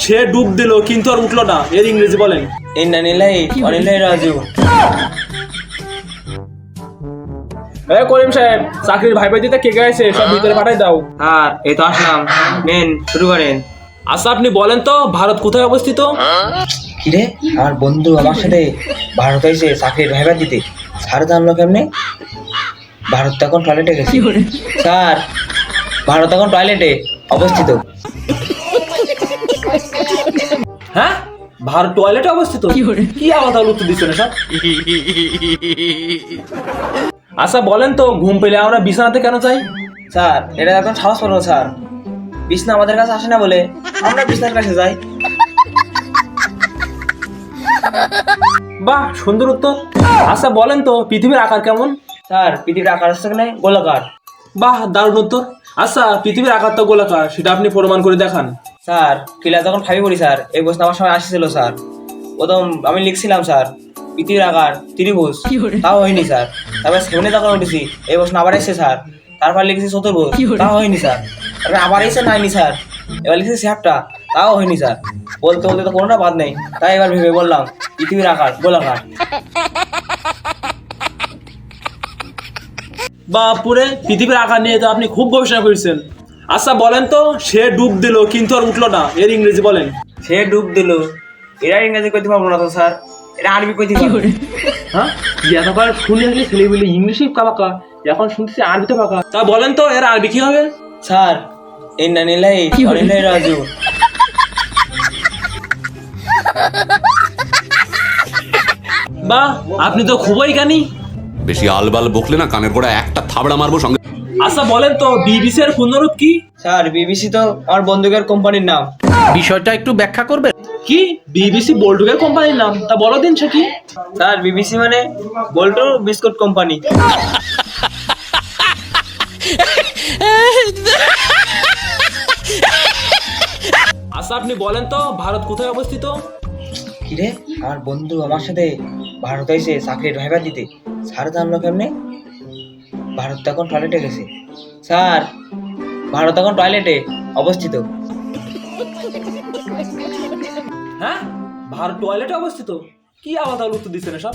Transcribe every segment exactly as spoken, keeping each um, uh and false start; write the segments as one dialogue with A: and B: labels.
A: সে ডুব দিল কিন্তু আর উঠলো না, এর ইংরেজি বলেন।
B: ইন্না লিল্লাহি ওয়া ইন্না ইলাইহি রাজিউন।
A: এ করিম সাহেব, চাকরির ভাই ভাই দিতে কে কে আছে সব ভিতরে পাঠাই দাও।
B: স্যার এই তো আসলাম, মেন শুরু করেন।
A: আচ্ছা আপনি বলেন তো ভারত কোথায় অবস্থিত?
B: কিরে আমার বন্ধু আমার সাথে ভারত এসে চাকরির ভাইবা দিতে, স্যার জানলো কেমনে? ভারত তো এখন টয়লেটে গেছে। স্যার ভারত এখন টয়লেটে অবস্থিত।
A: হ্যাঁ, ভারত টয়লেটে অবস্থিত? কি আবার তাহলে উত্তর দিচ্ছে না সব। আচ্ছা বলেন তো ঘুম পেলে আমরা বিছানাতে কেন যাই?
B: স্যার এটা এখন সাহস করবো স্যার, বিছনা আমাদের কাছে আসে না বলে আমরা বিছনার কাছে যাই।
A: বাহ সুন্দর উত্তর। আচ্ছা বলেন তো পৃথিবীর আকার কেমন?
B: স্যার পৃথিবীর আকার আসছে না গোলাকার।
A: বাহ দারুণ উত্তর। আচ্ছা পৃথিবীর আকার তো গোলাকার, সেটা আপনি প্রমাণ করে দেখান।
B: স্যার ক্লাস যখন ফাইভে পড়ি স্যার, এই প্রশ্ন আমার সময় আসছিল স্যার। প্রথম আমি লিখছিলাম স্যার পৃথিবীর আকার ত্রিভুজ, তাও হয়নি স্যার। তারপরে সেভেনে যখন উঠেছি এই প্রশ্ন আবার এসেছে স্যার, তারপর লিখেছি চতুর্ভুজ, তাও হয়নি স্যার। তারপরে আবার এসে নাইনি স্যার, এবার লিখেছি চ্যাপ্টা, তাও হয়নি স্যার। বলতে বলতে তো কোনোটা বাদ নেই, তাই এবার ভেবে বললাম পৃথিবীর আকার গোলাকার।
A: বাপুরে, পৃথিবীর আকার নিয়ে তো আপনি খুব গবেষণা করেছেন। আচ্ছা বলেন তো সে ডুব দিল কিন্তু আর উঠলো না, এর ইংরেজি বলেন।
B: সে ডুব দিল, এরা ইংরেজি কইতে পারবো না তো স্যার, এটা আরবি কইতে পারবো।
A: হ্যাঁ, এতবার শুনে আসলে ছেলে বলে ইংলিশে পাকা, এখন শুনতেছি আরবিতে পাকা। তা বলেন তো এর আরবি কি হবে?
B: স্যার ইন্না লিল্লাহি ওয়া ইন্না ইলাইহি রাজিউন।
A: বাহ আপনি তো খুবই জ্ঞানী।
C: বেশি আলবাল বকলে না কানের গোড়া একটা থাবড়া মারবো সঙ্গে।
A: আচ্ছা বলেন তো বিবিসি এর পূর্ণরূপ কি?
B: স্যার বিবিসি তো আমার বন্ধুকের কোম্পানির নাম।
D: বিষয়টা একটু ব্যাখ্যা করবে?
A: কি বিবিসি বল্টুকের কোম্পানির নাম? তা বলো দিন সে কি?
B: স্যার বিবিসি মানে বল্টু বিস্কুট কোম্পানি।
A: আচ্ছা আপনি বলেন তো ভারত কোথায় অবস্থিত?
B: কিরে আমার বন্ধু আমার সাথে ভারত এসে চাকরির ভাইবা দিতে, স্যার জানলো কেমনে? ভারত তো এখন টয়লেটে গেছে। স্যার ভারত এখন টয়লেটে অবস্থিত।
A: হ্যাঁ, ভারত টয়লেটে অবস্থিত? কি আবার তাহলে উত্তর দিচ্ছে না সব।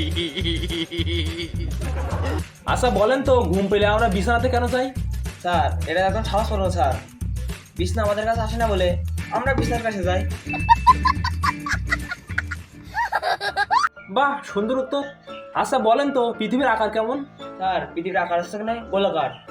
A: আচ্ছা বলেন তো ঘুম পেলে আমরা বিছানাতে কেন যাই?
B: স্যার এটা এখন সাহস করবো স্যার, বিছনা আমাদের কাছে আসে না বলে আমরা বিছনার কাছে যাই।
A: বাহ সুন্দর উত্তর। আচ্ছা বলেন তো পৃথিবীর আকার কেমন?
B: স্যার পৃথিবীর আকার আসছে না গোলাকার।